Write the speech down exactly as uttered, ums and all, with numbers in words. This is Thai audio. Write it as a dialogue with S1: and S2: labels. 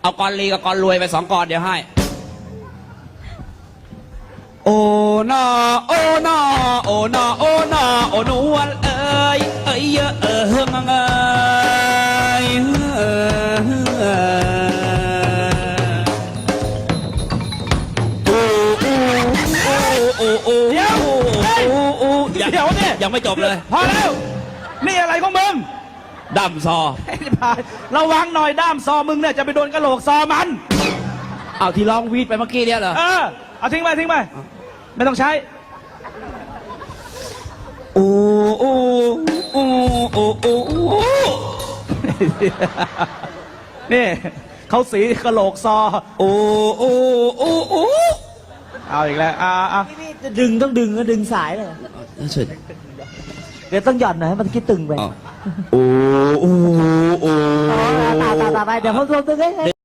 S1: เอากรลีกับกรรวยไปสองกรเดี๋ยวให้โอ้นาโอ้นาโอ้นาโอ้นาโอ้นวลเอ้ยเอ้ยเยอะเออเฮงเอ้ยเออโอ้โอ้โอ้โอ้เดี๋ยวโอ้โอ้เดี๋ยวเนี่ยยังไม่จบเลย
S2: พอแล้วนี่อะไรของมึง
S1: ด้ามซอ
S2: ระวังหน่อยด้ามซอมึงเนี่ยจะไปโดนกระโหลกซอมัน
S1: เอาที่ร้องวีดไปเมื่อกี้เนี่ยเหรอ
S2: เออเอาทิ้งไปทิ้งไปไม่ต้องใช้
S1: โอ้โอ้โอ้โอ้โอ้
S2: นี่เขาสีกระโหลกซอ
S1: โอ้โอ้โอ้โอ้
S2: เอาอีกแล้วอ่าอ่า
S3: จะดึงต้องดึงก็ดึงสายเลย
S1: สุด
S3: เดี๋ยวต้องหย่อนหน่อยให้มันคิดตึงไป
S1: โอ้โอ้โอ้
S3: ตาตาตาไปเดี๋ยวเขาโดนตึงให้